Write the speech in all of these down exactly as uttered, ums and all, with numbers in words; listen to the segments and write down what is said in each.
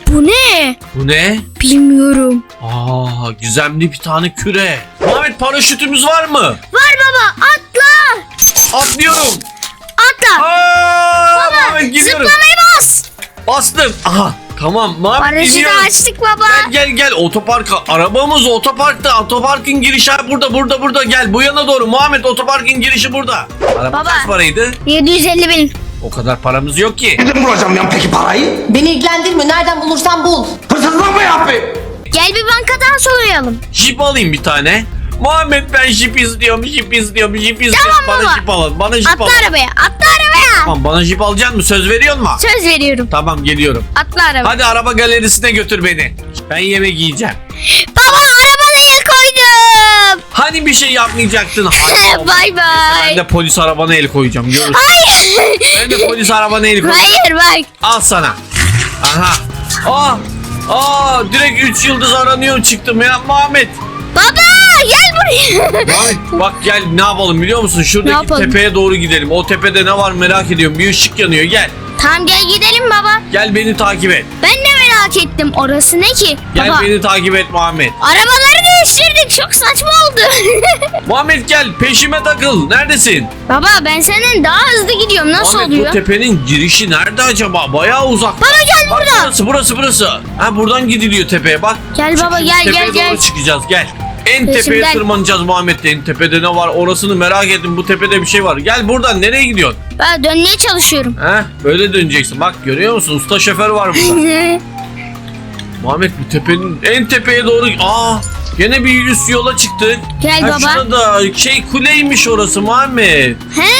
Bu ne? Bu ne? Bilmiyorum. Aa, gizemli bir tane küre. Muhammed paraşütümüz var mı? Var baba, atla. Atlıyorum. Atla. Aa, Baba Muhammed gidiyorum. zıplamayı bas. Bastım. Aha, tamam Muhammed Paraşütü gidiyoruz. açtık baba. Gel gel gel otoparka. Arabamız otoparkta. Otoparkın girişi burada burada burada. Gel bu yana doğru. Muhammed otoparkın girişi burada. Araba Baba. kaç paraydı? yedi yüz elli bin. O kadar paramız yok ki. Nereden bulacağım ya peki parayı? Beni ilgilendirmiyor. Nereden bulursan bul. Hırsızlık mı yapayım? Gel bir bankadan soyalım. Jip alayım bir tane. Muhammed ben jip istiyorum, jip istiyorum, jip istiyorum. Tamam bana baba. jip alın, bana jip Atla alın. arabaya, atla arabaya. Tamam bana jip alacaksın mı? Söz veriyor musun? Söz veriyorum. Tamam geliyorum. Atla arabaya. Hadi araba galerisine götür beni. Ben yemek yiyeceğim. Baba arabana el koydum. Hani bir şey yapmayacaktın? Hayır. Bay bay. Ben de polis arabana el koyacağım. Görürsün. Hayır. Ben de polis arabana el koyacağım. Hayır bak. Al sana. Aha. Aa. Aa direkt üç yıldız aranıyor çıktım ya Muhammed. Baba gel buraya. Muhammed bak gel ne yapalım biliyor musun? Ne Şuradaki yapalım? tepeye doğru gidelim. O tepede ne var merak ediyorum. Bir ışık yanıyor gel. Tamam gel gidelim baba. Gel beni takip et. Ben de merak ettim. Orası ne ki? Gel Baba. beni takip et Muhammed. Arabaları değiştirdik. Çok saçma oldu. Muhammed gel peşime takıl. Neredesin? Baba ben senden daha hızlı gidiyorum. Nasıl Muhammed oluyor? bu tepenin girişi nerede acaba? Bayağı uzak. Baba gel Bak burada. burası burası burası. Ha buradan gidiliyor tepeye bak. Gel baba, Şimdi gel, tepeye gel, gel. doğru çıkacağız gel. En tepeye Peşimden. tırmanacağız Muhammed. En tepede ne var orasını merak ettim. Bu tepede bir şey var. Gel buradan nereye gidiyorsun? Ben dönmeye çalışıyorum. Ha böyle döneceksin. Bak görüyor musun? Usta şoför var burada. Muhammed bu tepenin en tepeye doğru. Aa gene bir üst yola çıktık. Gel Ha, baba. şurada şey kuleymiş orası Muhammed. He.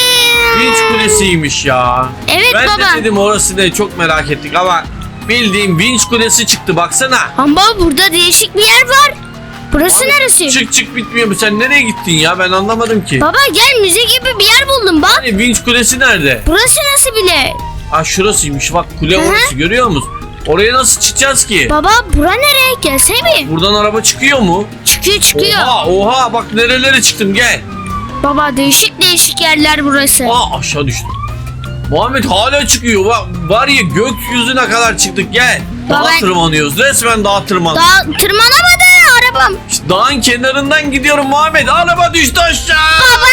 Vinç kulesiymiş ya. Evet ben baba. de dedim orası ne çok merak ettik ama bildiğim vinç kulesi çıktı baksana. Ama burada değişik bir yer var. Burası neresi? Çık çık bitmiyor mu? Sen nereye gittin ya? Ben anlamadım ki. Baba gel müze gibi bir yer buldum bak. Hani vinç kulesi nerede? Burası nasıl bile? Aa şurasıymış bak kule Hı hı. orası görüyor musun? Oraya nasıl çıkacağız ki? Baba bura nereye? Gelsene bir. Buradan araba çıkıyor mu? Çıkıyor çıkıyor. Oha oha bak nerelere çıktım gel. Baba değişik değişik yerler burası. Aa aşağı düştüm. Muhammed hala çıkıyor. Var, var ya gökyüzüne kadar çıktık gel. Dağa Baba- tırmanıyoruz. Resmen dağa tırman. Daha tırmanamadı arabam. İşte dağın kenarından gidiyorum Muhammed. Araba düştü aşağı. Baba.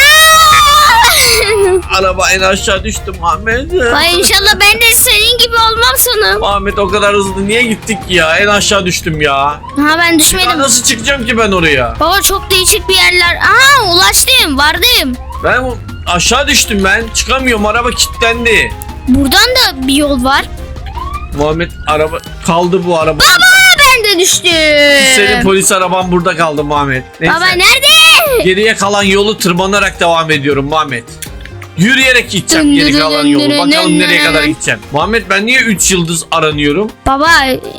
Araba en aşağı düştü Muhammed. Ay inşallah ben de senin gibi olmam sonum. Muhammed o kadar hızlı niye gittik ya? En aşağı düştüm ya. Ha ben Ya düşmedim. nasıl çıkacağım ki ben oraya? Baba çok değişik bir yerler. Aha ulaştım vardım. Ben bu- aşağı düştüm ben. Çıkamıyorum araba kilitlendi. Buradan da bir yol var. Muhammed araba kaldı bu araba. Baba ben de düştüm. Senin polis araban burada kaldı Muhammed. Neyse. Baba nerede? Geriye kalan yolu tırmanarak devam ediyorum Muhammed. Yürüyerek gideceğim Dın geri dın kalan dın yolu. dın Bakalım dın nereye dın. kadar gideceğim. Muhammed ben niye üç yıldız aranıyorum? Baba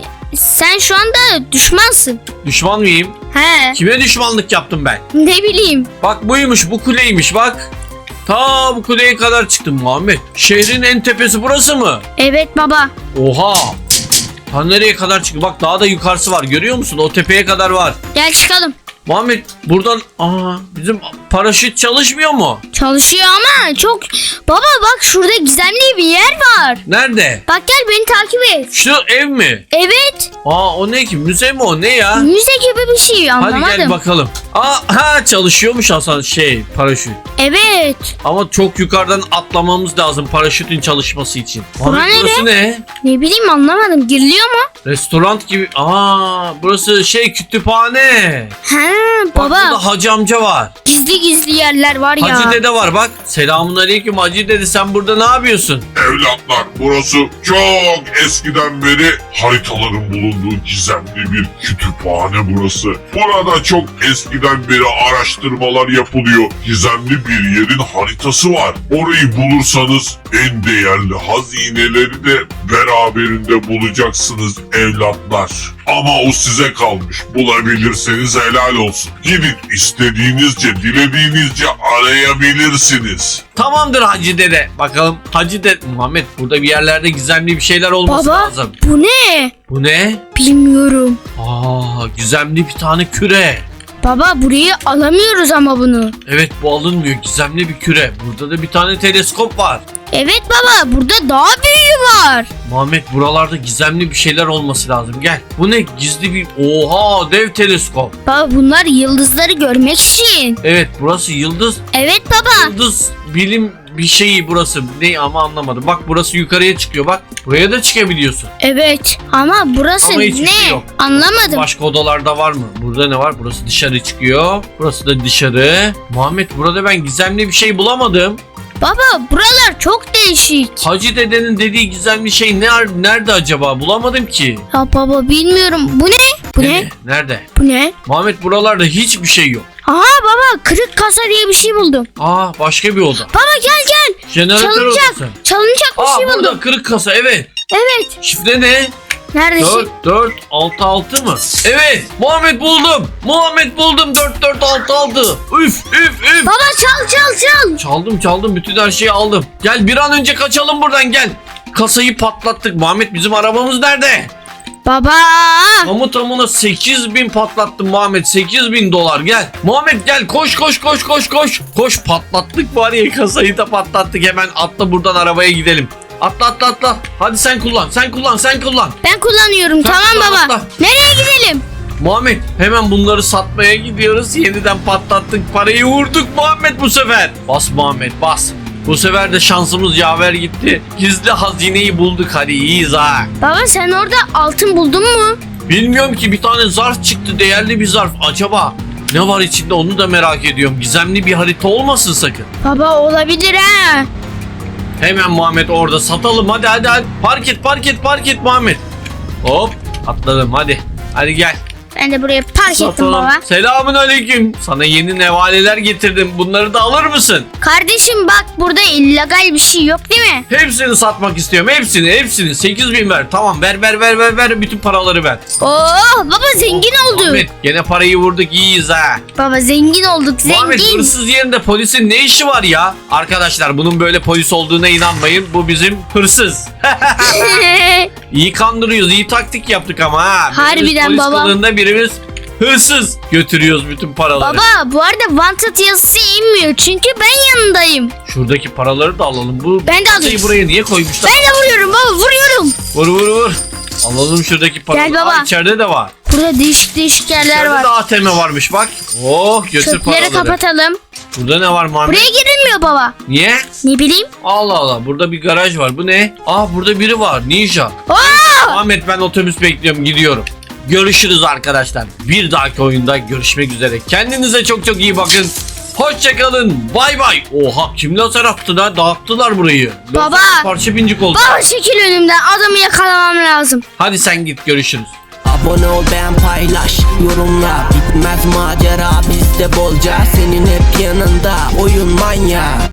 sen şu anda düşmansın. Düşman mıyım? He Kime düşmanlık yaptım ben? ne bileyim. Bak buymuş bu kuleymiş bak. Ta bu kuleye kadar çıktım Muhammed. Şehrin en tepesi burası mı? Evet baba. Oha. Ta nereye kadar çıktı? Bak daha da yukarısı var görüyor musun? O tepeye kadar var. Gel çıkalım. Muhammed buradan aa bizim paraşüt çalışmıyor mu? Çalışıyor ama çok... Baba bak şurada gizemli bir yer var. Nerede? Bak gel beni takip et. Şu ev mi? Evet. Aa o ne ki? Müze mi o? Ne ya? Müze gibi bir şey anlamadım. Hadi gel bakalım. Aa ha çalışıyormuş Hasan şey paraşüt. Evet. Ama çok yukarıdan atlamamız lazım paraşütün çalışması için. Bura Muhammed, burası ne? Ne bileyim anlamadım. Giriliyor mu? Restoran gibi. Aa burası şey kütüphane. He Bak baba. burada Hacı amca var. Gizli gizli yerler var ya. Hacı dede var bak. Selamun aleyküm Hacı dede sen burada ne yapıyorsun? Evlatlar, burası çok eskiden beri haritaların bulunduğu gizemli bir kütüphane burası. Burada çok eskiden beri araştırmalar yapılıyor. Gizemli bir yerin haritası var. Orayı bulursanız en değerli hazineleri de beraberinde bulacaksınız evlatlar. Ama o size kalmış. Bulabilirseniz helal olsun. Gidin istediğinizce, dilediğinizce arayabilirsiniz. Tamamdır Hacı dede. Bakalım Hacı dede. Muhammed burada bir yerlerde gizemli bir şeyler olması Baba lazım. bu ne? Bu ne? Bilmiyorum. Aa gizemli bir tane küre. Baba burayı alamıyoruz ama bunu. Evet bu alınmıyor gizemli bir küre. Burada da bir tane teleskop var. Evet baba, burada daha büyüğü var. Muhammed buralarda gizemli bir şeyler olması lazım. Gel. Bu ne? Gizli bir... Oha, dev teleskop. Baba bunlar yıldızları görmek için. Evet, burası yıldız. Evet baba. Yıldız bilim bir şeyi burası. Ne ama anlamadım. Bak burası yukarıya çıkıyor bak. Buraya da çıkabiliyorsun. Evet ama burası Ama hiçbir ne? şey yok. Anlamadım. Başka odalarda var mı? Burada ne var? Burası dışarı çıkıyor. Burası da dışarı. Muhammed burada ben gizemli bir şey bulamadım. Baba buralar çok değişik. Hacı dedenin dediği gizemli şey ne, nerede acaba? Bulamadım ki. Ya baba bilmiyorum. Bu ne? Bu ne? Nerede? Bu ne? Muhammed buralarda hiçbir şey yok. Aha baba, kırık kasa diye bir şey buldum. Aa, başka bir oda. Baba gel gel. Jeneratör Çalınacak. odası. Çalınacak bir Aa, şey burada buldum. kırık kasa, evet. Evet. Şifre ne? Nerede dört şey? dört altı altı mı? Evet, Muhammed buldum. Muhammed buldum, dört dört altı altı. Üf üf üf. Baba çal çal çal. Çaldım çaldım, bütün her şeyi aldım. Gel bir an önce kaçalım buradan, gel. Kasayı patlattık. Muhammed bizim arabamız nerede? Baba. Tamı tamına sekiz bin patlattım Muhammed, sekiz bin dolar, gel. Muhammed gel, koş koş koş koş koş. Koş, patlattık var ya, kasayı da patlattık. Hemen atla buradan, arabaya gidelim. Atla atla atla. Hadi sen kullan sen kullan sen kullan. Ben kullanıyorum. Sen Tamam kullan, baba. atla. Nereye gidelim? Muhammed hemen bunları satmaya gidiyoruz. Yeniden patlattık, parayı vurduk Muhammed bu sefer. Bas Muhammed bas. Bu sefer de şansımız yaver gitti. Gizli hazineyi bulduk, hadi iyiyiz ha. Baba sen orada altın buldun mu? Bilmiyorum ki, bir tane zarf çıktı, değerli bir zarf. Acaba ne var içinde, onu da merak ediyorum. Gizemli bir harita olmasın sakın. Baba olabilir ha. Hemen Muhammed orada satalım, hadi hadi hadi. Park et park et park et Muhammed. Hop atladım, hadi. Hadi gel. Ben de buraya park ettim Satalım. baba. Selamun aleyküm. Sana yeni nevaleler getirdim. Bunları da alır mısın? Kardeşim bak, burada illegal bir şey yok değil mi? Hepsini satmak istiyorum. Hepsini hepsini. sekiz bin ver. Tamam, ver ver ver ver ver. Bütün paraları ver. Oo baba zengin olduk. Muhammed gene parayı vurduk, iyiyiz ha. Baba zengin olduk, Muhammed, zengin. hırsız yerinde polisin ne işi var ya? Arkadaşlar bunun böyle polis olduğuna inanmayın. Bu bizim hırsız. İyi kandırıyoruz. İyi taktik yaptık ama ha. Birimiz Harbiden polis baba. kılığında, birimiz hırsız. Götürüyoruz bütün paraları. Baba bu arada wanted yazısı inmiyor çünkü ben yanındayım. Şuradaki paraları da alalım. Bu Ben de kasayı alayım. buraya niye koymuşlar? Ben de vuruyorum baba, vuruyorum. Vur vur vur. Alalım şuradaki paraları. Gel baba. Aa, içeride de var. Burada değişik değişik yerler İçeride var. de A T M varmış bak. Oh, götür Çöpleri paraları. kapatalım. Burada ne var Muhammed? Buraya girilmiyor baba. Niye? Ne bileyim. Allah Allah, burada bir garaj var. Bu ne? Aa, burada biri var. Ninja. Aa! Muhammed ben otobüs bekliyorum, gidiyorum. Görüşürüz arkadaşlar. Bir dahaki oyunda görüşmek üzere. Kendinize çok çok iyi bakın. Hoşçakalın. Bay bay. Oha, kim lazer attı da dağıttılar burayı. Baba. Lazer parça pincik oldu. Baba çekil önümden, adamı yakalamam lazım. Hadi sen git, görüşürüz. Abone ol, beğen, paylaş, yorumla. Bitmez macera bizde bolca, senin hep yanında oyun manya.